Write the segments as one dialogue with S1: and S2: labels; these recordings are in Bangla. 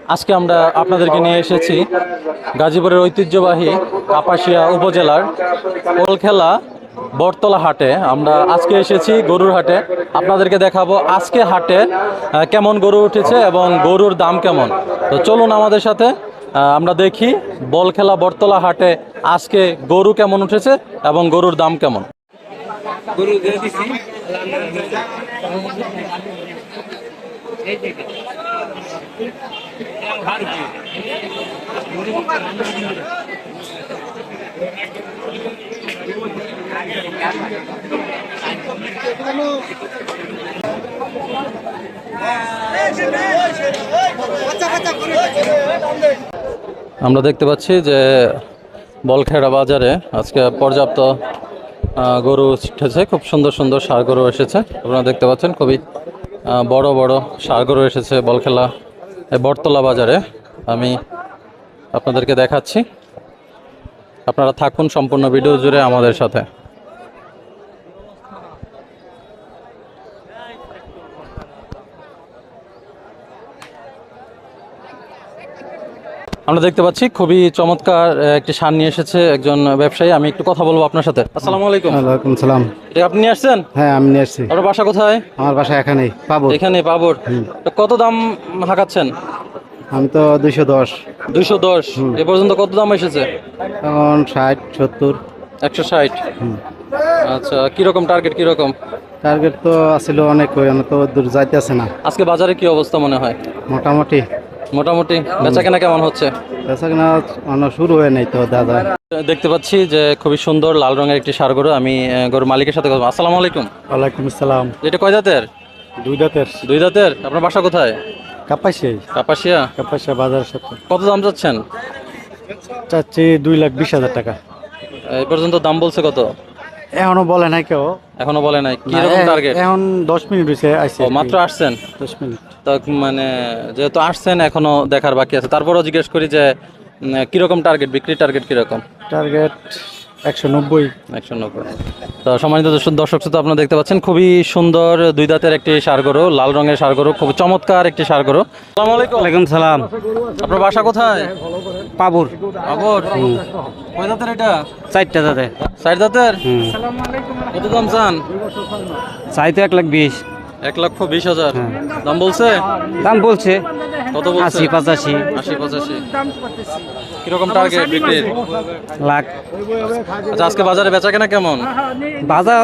S1: আজকে আমরা আপনাদেরকে নিয়ে এসেছি গাজীপুরের ঐতিহ্যবাহী কাপাসিয়া উপজেলার ওলখেলা বটতলা হাটে। আমরা আজকে এসেছি গরুর হাটে। আপনাদেরকে দেখাবো আজকে হাটে কেমন গরু উঠেছে এবং গরুর দাম কেমন। তো চলুন আমাদের সাথে আমরা দেখি বলখেলা বটতলা হাটে আজকে গরু কেমন উঠেছে এবং গরুর দাম কেমন। আমরা দেখতে পাচ্ছি যে বলখেড়া বাজারে আজকে পর্যাপ্ত গরু উঠেছে। খুব সুন্দর সুন্দর ষাঁড় গরু এসেছে। আপনারা দেখতে পাচ্ছেন খুবই বড় বড় ষাঁড় গরু এসেছে বলখেলা বটতলা বাজারে। আমি আপনাদেরকে দেখাচ্ছি, আপনারা থাকুন সম্পূর্ণ ভিডিও জুড়ে আমাদের সাথে। আমরা দেখতে পাচ্ছি খুবই চমৎকার একটি ষাঁড় নিয়ে এসেছে একজন ব্যবসায়ী। আমি একটু কথা বলবো আপনার সাথে। আসসালামু আলাইকুম।
S2: ওয়ালাইকুম সালাম।
S1: এটা আপনি নিয়ে আসছেন?
S2: হ্যাঁ, আমি নিয়ে আসছি।
S1: আপনার বাসা কোথায়?
S2: আমার বাসা এখানেই, পাবো।
S1: এখানে পাবর। তো কত দাম হাঁকাচ্ছেন?
S2: আমি তো 210।
S1: 210। এ পর্যন্ত কত দাম এসেছে?
S2: এখন 60 70
S1: 160। আচ্ছা, কিরকম টার্গেট কিরকম?
S2: টার্গেট তো আসলে অনেক, তো দূর যাইতে আছে না।
S1: আজকে বাজারে কি অবস্থা মনে হয়?
S2: মোটামুটি
S1: মোটামুটি বেচা কেনা কেমন হচ্ছে?
S2: বেচা কেনা শুরু হয়ে নাই তো দাদা।
S1: দেখতে পাচ্ছি যে খুবই সুন্দর লাল রঙের একটি ষাঁড় গরু। আমি গরুর মালিকের সাথে কথা। আসসালামু আলাইকুম।
S2: ওয়ালাইকুম আসসালাম।
S1: এটা কয় দাঁতের?
S2: 2 দাঁতের।
S1: 2 দাঁতের। আপনার বাসা কোথায়? কাপাসিয়া।
S2: কাপাসিয়া বাজারের সাথে।
S1: কত দাম চাচ্ছেন?
S2: চাচ্ছি 2,20,000 টাকা।
S1: এই পর্যন্ত দাম বলছে কত?
S2: এখনো বলে নাই কেউ।
S1: এখনো বলে নাই। কি রকম টার্গেট?
S2: এখন 10 মিনিট হয়েছে আইছে।
S1: ও, মাত্র আসছেন?
S2: 10 মিনিট।
S1: তো মানে যেহেতু আসছেন এখনো দেখার বাকি আছে, তারপরও জিজ্ঞেস করি যে কিরকম টার্গেট, বিক্রির টার্গেট কিরকম?
S2: টার্গেট 190।
S1: 190। তো সম্মানিত দর্শক শ্রোতা, আপনারা দেখতে পাচ্ছেন খুবই সুন্দর 2 দাঁতের একটি ষাঁড় গরু, লাল রঙের ষাঁড় গরু, খুব চমৎকার একটি ষাঁড় গরু। আসসালামু আলাইকুম।
S2: ওয়ালাইকুম সালাম।
S1: আপনার বাসা কোথায়?
S2: পাবুর।
S1: পাবর। কয় দাঁতের এটা?
S2: 4টা দাদা।
S1: 4 দাঁতের। কত দাম চান?
S2: চাইতে 1,20,000।
S1: 1,20,000 দাম বলছে?
S2: দাম বলছে
S1: কত বলছে?
S2: 80-85।
S1: 80-85। কিরকম টার্গেট বিক্রির?
S2: লাখ।
S1: আচ্ছা, আজকে বাজারে বেচা কেনা কেমন?
S2: বাজার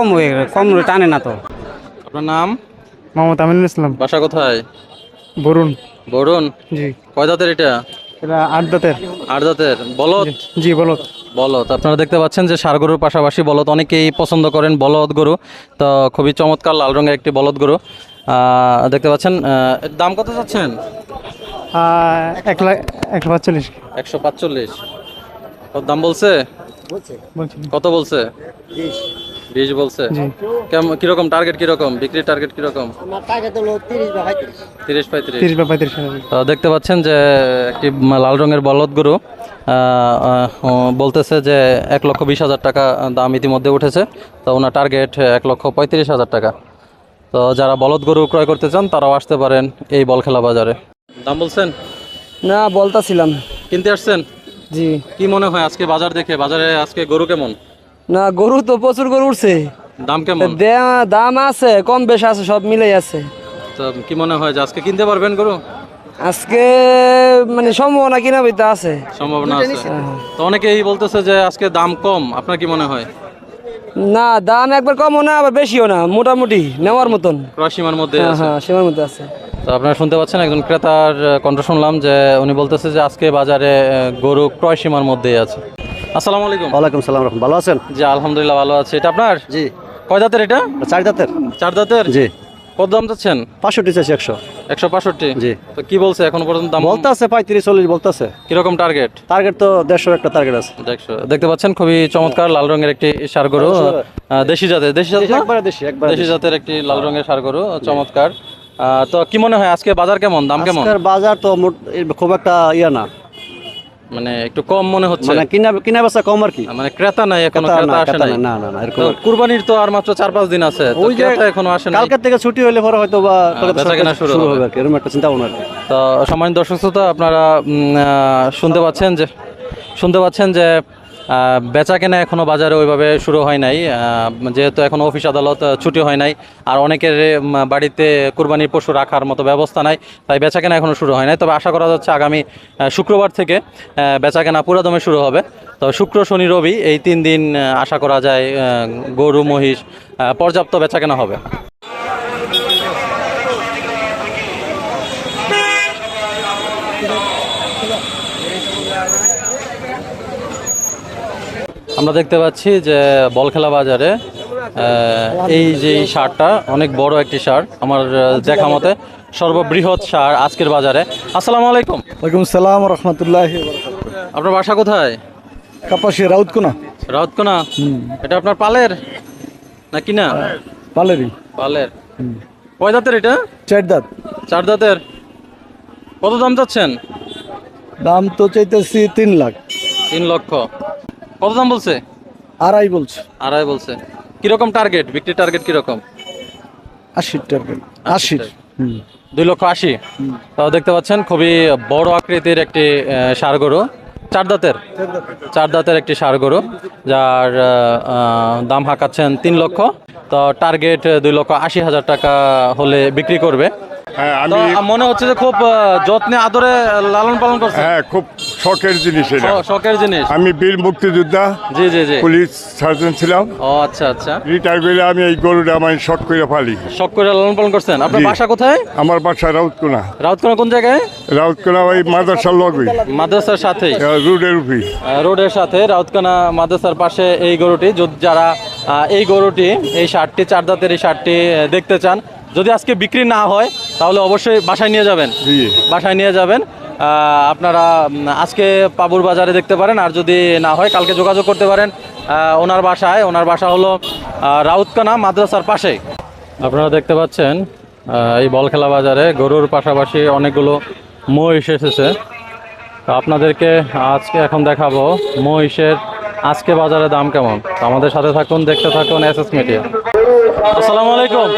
S2: কম টানে না তো।
S1: আপনার নাম?
S2: মোহাম্মদ আমিনুল ইসলাম।
S1: বাসা কোথায়?
S2: বরুণ।
S1: বরুণ।
S2: জি।
S1: কয় দাঁতের এটা?
S2: এটা 8 দাঁতের।
S1: 8 দাঁতের। বলদ?
S2: জি, বলদ।
S1: বলদ। আপনারা দেখতে পাচ্ছেন যে ষাঁড় গরুর পাশাপাশি বলদ অনেকেই পছন্দ করেন বলদ গরু। তো খুবই চমৎকার লাল রঙের একটি বলদ গরু দেখতে পাচ্ছেন। এর দাম কত চাচ্ছেন?
S2: 1,45,000।
S1: 145। কত দাম বলছে? কত বলছে? 20 বলছে। কেমন কিরকম টার্গেট, কিরকম বিক্রির টার্গেট কিরকম? 30-35। তো দেখতে পাচ্ছেন যে একটি লাল রঙের বলদ গরু বলতেছে যে 1,20,000 টাকা দাম ইতিমধ্যে উঠেছে। তো ওনার টার্গেট 1,35,000 টাকা। তো যারা বলদ গরু ক্রয় করতে চান তারাও আসতে পারেন এই বলখেলা বাজারে। দাম বলছেন?
S2: না, বলতাছিলাম।
S1: কিনতে আসছেন?
S2: জি।
S1: কি মনে হয় আজকে বাজার দেখে, বাজারে আজকে গরু কেমন?
S2: না, গরু তো প্রচুর গরু উঠছে।
S1: দাম কেমন?
S2: দাম আছে, কম বেশ আছে, সব মিলেই আছে।
S1: তো কি মনে হয় যে আজকে কিনতে পারবেন গরু?
S2: আজকে মানে সম্ভাবনা কিনা বইতে আছে,
S1: সম্ভাবনা আছে। তো অনেকেই বলতেছে যে আজকে দাম কম, আপনার কি মনে হয়?
S2: না, দাম একবার কমও না আবার বেশিও না, মোটামুটি নেওয়ার মতন
S1: ক্রয় সীমার মধ্যে আছে।
S2: হ্যাঁ, সীমার মধ্যে আছে।
S1: তো আপনারা শুনতে পাচ্ছেন একজন ক্রেতার কণ্ঠ শুনলাম যে উনি বলতেছে যে আজকে বাজারে গরু ক্রয় সীমার মধ্যেই আছে। আসসালামু আলাইকুম।
S2: ওয়ালাইকুম সালাম। ভালো আছেন?
S1: জি, আলহামদুলিল্লাহ ভালো আছে। এটা আপনার?
S2: জি।
S1: কয় দাঁতের এটা?
S2: 4 দাঁতের।
S1: 4 দাঁতের।
S2: জি।
S1: কত দাম চাচ্ছেন?
S2: 65 চাইছি।
S1: 165।
S2: জি।
S1: তো কি বলছে এখন পর্যন্ত দাম?
S2: বলতে আছে 35-40 বলতে আছে।
S1: কিরকম টার্গেট?
S2: টার্গেট তো 150 একটা টার্গেট আছে।
S1: দেখতে পাচ্ছেন খুবই চমৎকার লাল রঙের একটি ষাঁড় গরু, দেশি জাতের। দেশি জাতের একটি লাল রঙের ষাঁড় গরু, চমৎকার। তো কি মনে হয় আজকে বাজার কেমন, দাম কেমন?
S2: বাজার তো খুব একটা ইয়া না,
S1: মানে একটু কম মনে হচ্ছে,
S3: মানে কিনা কিনা বেচা কম আর কি।
S1: মানে ক্রেতা নাই এখনো,
S3: ক্রেতা
S1: ক্রেতা
S3: না,
S1: আসে
S3: ক্রেতা
S1: নাই।
S3: না, না, না, এরকম
S1: তো
S3: আর কি।
S1: কুরবানির তো আর মাত্র 4-5 দিন আছে, তো
S3: ওই যে
S1: ক্রেতা এখনো আসে নাই।
S3: কালকের থেকে ছুটি হইলে পরে হয়তো বা
S1: বেচা কেনা শুরু
S3: শুরু
S1: হবে।
S3: হবে আর কি, এরকম একটা চিন্তা ভাবনা আর কি।
S1: তো সম্মানিত দর্শক শ্রোতা, আপনারা শুনতে পাচ্ছেন যে বেচা কেনা এখনো বাজারে ওইভাবে শুরু হয় নাই, যেহেতু এখনো অফিস আদালত ছুটি হয় নাই, আর অনেকের বাড়িতে কুরবানির পশু রাখার মতো ব্যবস্থা নাই, তাই বেচা কেনা এখনো শুরু হয় নাই। তবে আশা করা যাচ্ছে আগামী শুক্রবার থেকে বেচা কেনা পুরাদমে শুরু হবে। তো শুক্র, শনি, রবি এই 3 দিন আশা করা যায় গরু মহিষ পর্যাপ্ত বেচা কেনা হবে। আমরা দেখতে পাচ্ছি যে বলখেলা বাজারে এই যে সারটা অনেক বড় একটি সার, আমার দেখা মতে সর্ববৃহৎ সার আজকের বাজারে। আসসালামু আলাইকুম।
S4: ওয়ালাইকুম সালাম রহমতুল্লাহ।
S1: আপনার বাসা কোথায়?
S4: কাপাসি রাউতকোনা।
S1: রাউতকোনা। এটা আপনার পালের না কিনা?
S4: পালেরি।
S1: পালের। কয় দাঁতের এটা?
S4: 4 দাঁত।
S1: 4 দাঁতের। কত দাম চাচ্ছেন?
S4: দাম তো চাইতেছি 3 লাখ।
S1: 3 লক্ষ। কত দাম বলছে?
S4: আড়াই বলছে।
S1: আড়াই বলছে। কিরকম টার্গেট, বিক্রি টার্গেট কিরকম?
S4: 80 টাকা। 80।
S1: 2,80,000। তো দেখতে পাচ্ছেন খুবই বড় আকৃতির একটি ষাঁড় গরু, 4 দাঁতের। 4 দাঁতের একটি ষাঁড় গরু, যার দাম হাঁকাচ্ছেন 3 লক্ষ। তো টার্গেট 2,80,000 টাকা হলে বিক্রি করবে।
S5: হ্যাঁ,
S1: তো
S5: আমি
S1: মনে হচ্ছে যে খুব যত্নে আদরে লালন পালন করছে।
S5: হ্যাঁ, খুব শখের জিনিস এটা।
S1: শখের জিনিস।
S5: আমি বীর মুক্তিযোদ্ধা,
S1: জি জি জি।
S5: পুলিশ সার্জন ছিলাম।
S1: ও আচ্ছা আচ্ছা।
S5: রিটায়ার করে আমি এই গরুটা আমি শখ করে ফালি।
S1: শখ করে লালন পালন করছেন। আপনার
S5: জি।
S1: বাসা কোথায়?
S5: আমার বাসা রাউতকোনা।
S1: রাউতকোনা কোন জায়গায়?
S5: রাউতকোনা ওই মাদ্রাসার লগই,
S1: মাদ্রাসার সাথেই,
S5: রোডের উপরে।
S1: রোডের সাথে রাউতকানা মাদ্রাসার পাশে এই গরুটি। যারা এই গরুটি, এই ষাঁড়টি, 4 দাঁতের এই ষাঁড়টি দেখতে চান, যদি আজকে বিক্রি না হয় তাহলে অবশ্যই বাসায় নিয়ে যাবেন।
S5: জি।
S1: বাসায় নিয়ে যাবেন। আপনারা আজকে পাবুর বাজারে দেখতে পারেন, আর যদি না হয় কালকে যোগাযোগ করতে পারেন ওনার বাসায়। ওনার বাসা হলো রাউতকানা মাদ্রাসার পাশে। আপনারা দেখতে পাচ্ছেন এই বলখেলা বাজারে গরুর পাশাপাশি অনেকগুলো মহিষ এসেছে। তো আপনাদেরকে আজকে এখন দেখাবো মহিষের আজকে বাজারে দাম কেমন। তো আমাদের সাথে থাকুন, দেখতে থাকুন এসএস মিডিয়া। আসসালামু আলাইকুম।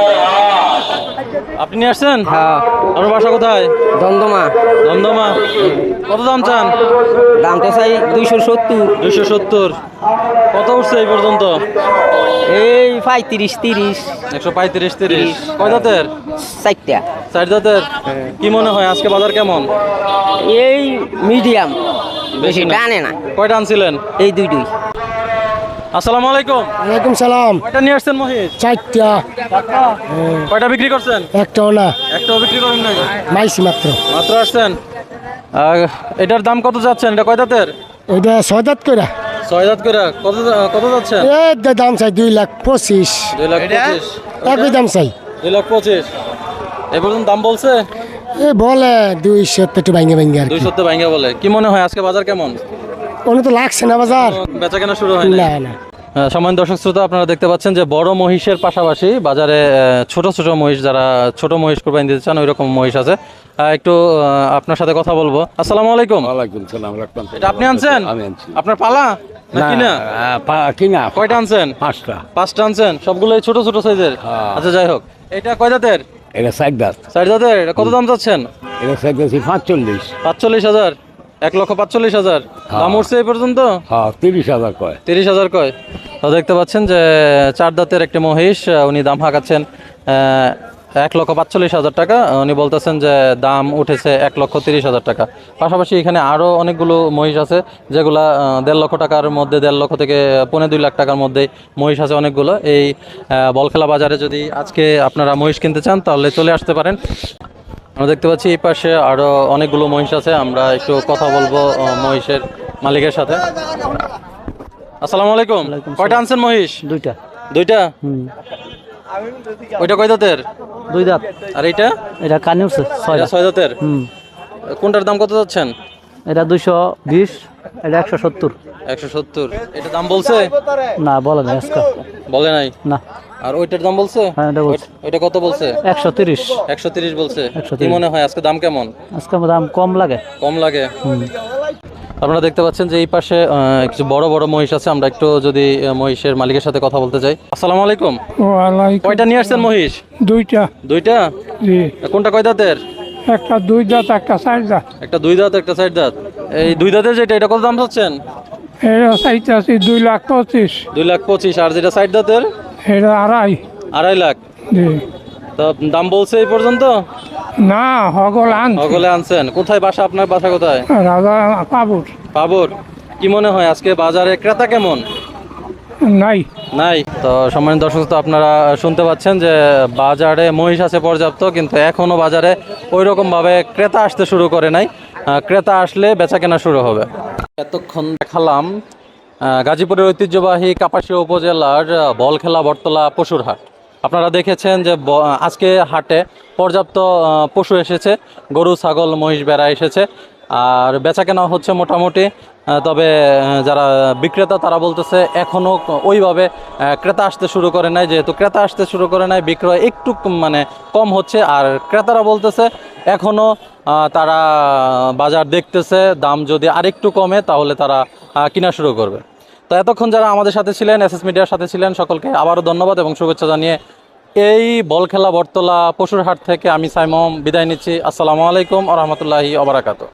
S1: আপনি নিয়ে আসছেন?
S2: হ্যাঁ,
S1: আপনার বাসা কোথায়?
S2: দমদমা।
S1: দমদমা। কত দাম চান?
S2: দাম তো চাই 270।
S1: 270। কত উঠছে এই পর্যন্ত?
S2: এই 35 30
S1: 135 30। কয় দাঁতের?
S2: 4টা।
S1: 4 দাঁতের। কি মনে হয় আজকে বাজার কেমন?
S2: এই মিডিয়াম, বেশি
S1: না।
S2: টানে না।
S1: কয়টা আনছিলেন?
S2: এই দুই।
S1: আসসালামু আলাইকুম।
S4: ওয়ালাইকুম সালাম।
S1: কয়টা নিয়ে আসছেন মহিষ?
S4: 4টা।
S1: কয়টা বিক্রি করছেন?
S4: একটাও না,
S1: একটাও বিক্রি করেন নাই?
S4: মাইছি মাত্র।
S1: মাত্র আসছেন। এটার দাম কত যাচ্ছেন? এটা কয় দাঁতের?
S4: ওইটা 6 দাঁত করে।
S1: 6 দাঁত করে। কত যাচ্ছেন?
S4: দাম চাই 2,25,000।
S1: 2,25,000।
S4: একই দাম চাই।
S1: 2,25,000। এ পর্যন্ত দাম বলছে?
S4: বলে 200 একটু ভাঙ্গে ভাঙ্গে আর কি।
S1: 200 ভাঙ্গা বলে। কি মনে হয় আজকে বাজার কেমন?
S4: কোনো তো লাগছে না বাজার।
S1: বেচা কেনা শুরু হয়
S4: না না।
S1: সম্মানিত দর্শক শ্রোতা, আপনারা দেখতে পাচ্ছেন যে বড় মহিষের পাশাপাশি বাজারে ছোট ছোট মহিষ, যারা ছোট মহিষ কুরবানি দিতে চান ওই রকম মহিষ আছে। একটু আপনার সাথে কথা বলবো। আসসালামু আলাইকুম।
S3: ওয়ালাইকুম সালাম।
S1: এটা আপনি আনছেন?
S3: আমি আনছি।
S1: আপনার পালা না কিনা?
S3: কিনা।
S1: কয়টা আনছেন?
S3: 5টা।
S1: 5টা আনছেন, সবগুলোই ছোট ছোট সাইজের।
S3: হ্যাঁ।
S1: আচ্ছা, যাই হোক। এটা কয় দাঁতের?
S3: এটা 4 দাঁত।
S1: 4 দাঁতের। এটা কত দাম চাচ্ছেন?
S3: এটা চাইতেছি 45।
S1: 45,000। 1,45,000 দাম উঠছে এই পর্যন্ত?
S3: হ্যাঁ, 30,000 কয়।
S1: 30,000 কয়। তো দেখতে পাচ্ছেন যে 4 দাঁতের একটি মহিষ, উনি দাম হাঁকাচ্ছেন 1,45,000 টাকা। উনি বলতেছেন যে দাম উঠেছে 1,30,000 টাকা। পাশাপাশি এখানে আরও অনেকগুলো মহিষ আছে, যেগুলা 1.5 লক্ষ টাকার মধ্যে, 1.5 লক্ষ থেকে 2.25 লাখ টাকার মধ্যে মহিষ আছে অনেকগুলো। এই বলখেলা বাজারে যদি আজকে আপনারা মহিষ কিনতে চান তাহলে চলে আসতে পারেন। আমরা দেখতে পাচ্ছি এই পাশে আরো অনেকগুলো মহিষ আছে। আমরা একটু কথা বলবো মহিষের মালিকের সাথে। আসসালামু আলাইকুম। কয়টা আনছেন মহিষ?
S2: 2টা।
S1: 2টা। ওইটা কয় দাঁতের?
S2: 2 দাঁত।
S1: আর এইটা?
S2: এটা কানে উঠছে 6
S1: এটা
S2: দাঁত।
S1: 6 দাঁতের। কোনটার দাম কত যাচ্ছেন?
S2: এটা 220, এটা 170।
S1: 170। এটা দাম বলছে?
S2: না, বলে না আজকে।
S1: বলে নাই
S2: না।
S1: আর ওইটার দাম বলছে?
S2: হ্যাঁ, এটা বলছে।
S1: ওইটা কত বলছে?
S2: 130।
S1: 130 বলছে।
S2: 130।
S1: কি মনে হয় আজকে দাম কেমন?
S2: আজকে দাম কম লাগে।
S1: কম লাগে। আপনারা দেখতে পাচ্ছেন যে এই পাশে কিছু বড় বড় মহিষ আছে, আমরা একটু যদি মহিষের মালিকের সাথে কথা বলতে চাই। আসসালামু আলাইকুম।
S6: ওয়ালাইকুম
S1: কয়টা নিয়ে আসছেন মহিষ?
S6: দুইটা।
S1: দুইটা?
S6: জি,
S1: কোনটা কয় দাঁতের?
S6: একটা 2 দাঁত একটা 4 দাঁত।
S1: একটা 2 দাঁত একটা 4 দাঁত। এই 2 দাঁতের যেটা, এটা কত দাম চাচ্ছেন?
S6: এটা চাইতেছি 2,25,000।
S1: 2,25,000। আর যেটা 4 দাঁতের?
S6: এটা 2.5।
S1: 2.5 লাখ।
S6: জি,
S1: তো দাম বলছে এই পর্যন্ত?
S6: না হগল আন
S1: সকলে আনছেন। কোথায় বাসা আপনার? বাসা কোথায়?
S6: রাজা পাবুর
S1: পাবর। কি মনে হয় আজকে বাজারে ক্রেতা কেমন?
S6: নাই।
S1: নাই। তো সম্মানিত দর্শক, তো আপনারা শুনতে পাচ্ছেন যে বাজারে মহিষ আছে পর্যাপ্ত, কিন্তু এখনো বাজারে ওই রকম ভাবে ক্রেতা আসতে শুরু করে নাই। ক্রেতা আসলে বেচা কেনা শুরু হবে। এতক্ষণ দেখালাম গাজীপুরের ঐতিহ্যবাহী কাপাসিয়া উপজেলার বলখেলা বটতলা পশুর হাট। আপনারা দেখেছেন যে আজকে হাটে পর্যাপ্ত পশু এসেছে, গরু ছাগল মহিষ ভেড়া এসেছে, আর বেচা কেনা হচ্ছে মোটামুটি। তবে যারা বিক্রেতা তারা বলতেছে এখনও ওইভাবে ক্রেতা আসতে শুরু করে নাই। যেহেতু ক্রেতা আসতে শুরু করে নাই, বিক্রয় একটু মানে কম হচ্ছে। আর ক্রেতারা বলতেছে এখনও তারা বাজার দেখতেছে, দাম যদি আরেকটু কমে তাহলে তারা কিনা শুরু করবে। তো এতক্ষণ যারা আমাদের সাথে ছিলেন, এসএস মিডিয়ার সাথে ছিলেন, সকলকে আবারও ধন্যবাদ এবং শুভেচ্ছা জানিয়ে এই বলখেলা বটতলা পশুর হাট থেকে আমি সাইমম বিদায় নিচ্ছি। আসসালামু আলাইকুম ওয়া রাহমাতুল্লাহি ওয়া বারাকাতুহু।